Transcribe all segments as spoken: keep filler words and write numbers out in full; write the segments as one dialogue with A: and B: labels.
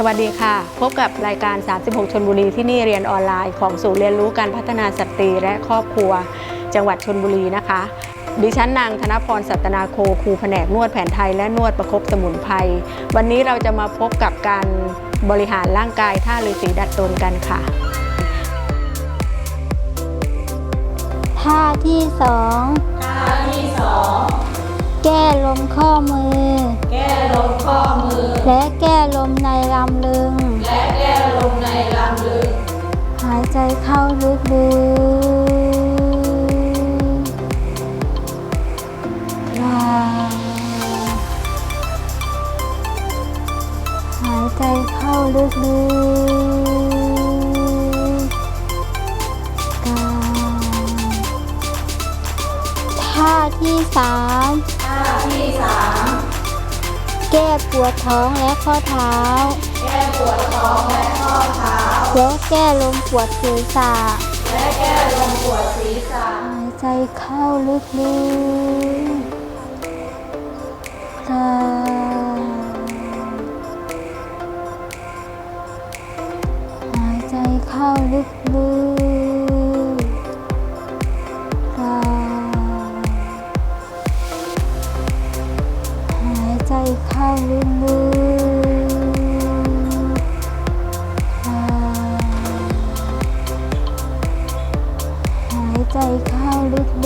A: วัสดีค่ะพบกับรายการสามสิบหกชลบุรีที่นี่เรียนออนไลน์ของศูนย์เรียนรู้การพัฒนาสตรีและครอบครัวจังหวัดชลบุรีนะคะดิฉันนางธนพรสัตนาโคครูแผนกนวดแผนไทยและนวดประคบสมุนไพรวันนี้เราจะมาพบกับการบริหารร่างกายท่าฤาษีดัดตนกันค่ะ
B: ท่าที่สอง
C: ท่าที่สอง
B: แก้ลมข้อมือ
C: แก้ลมข้อมือ
B: และแก้ลมในลำลึง
C: และแก้ลมในลำลึง
B: หายใจเข้าลึกๆหายใจเข้าลึกๆท่าที่สาม
C: ท่าที่สาม
B: แก้ปวดท้องและข้อเท้า
C: แก้ปวดท้องและข้อเท้า
B: และแก้ลมปวดศีรษะ
C: และแก้ลมปวดศีรษะ
B: หายใจเข้าลึกๆค่ะหายใจเข้าลึกๆค่ะหายใจเข้าลึกๆค่ะหายใจเข้าลึกๆ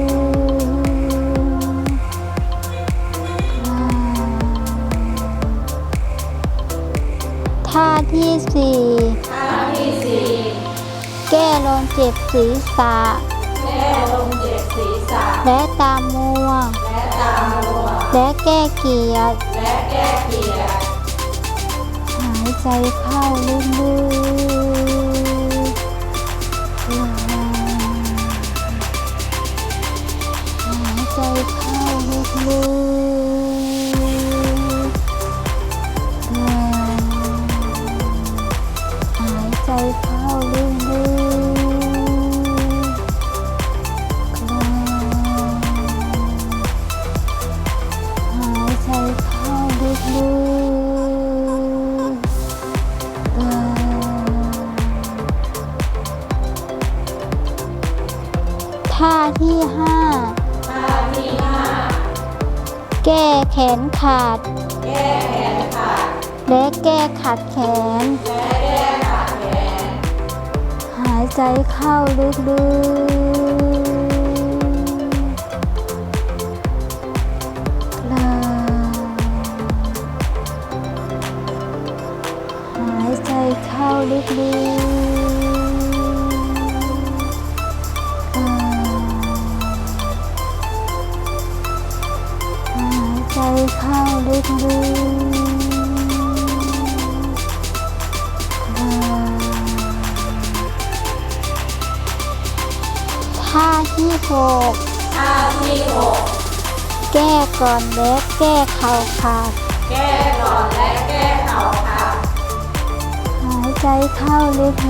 B: ท่าที่สี่
C: ท่าที่สี่
B: แก้ลมเจ็บศีรษะ
C: แก้ลมเจ็บศีรษะ
B: และตามัว
C: และตามัว
B: และแก้เกียจ
C: และแก้เกียจ
B: หายใจเข้าลึกๆหายใจเข้าลึกๆหายใจเข้าลึกๆหายใจเข้าลึกๆท่าที่ห้า
C: ท่าที่ห้า
B: แก้แขนขาด
C: แก้แขนขาด
B: และแก้ขัดแขน
C: และแก้ขัดแขน
B: หายใจเข้าลึกๆหายใจเข้าลึกๆหายใจเข้าลึกๆท่าที่หก
C: ท่าที่หก
B: แก้ก่อนและแก้เข่าขาด
C: แก้ก่อนและแก้เข่าขาด
B: หายใจเข้าลึก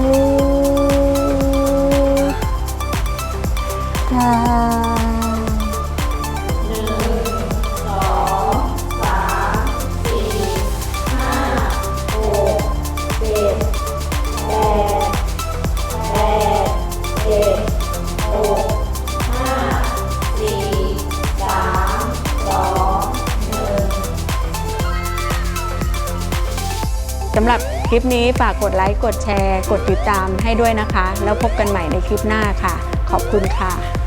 B: ๆค่ะ
C: หนึ่งสองสามสี่ห้าหกเจ็ดแปดแปดเจ็ดหกห้าสี่สามสองหนึ่ง
A: สำหรับคลิปนี้ฝากกดไลค์กดแชร์กดติดตามให้ด้วยนะคะแล้วพบกันใหม่ในคลิปหน้าค่ะขอบคุณค่ะ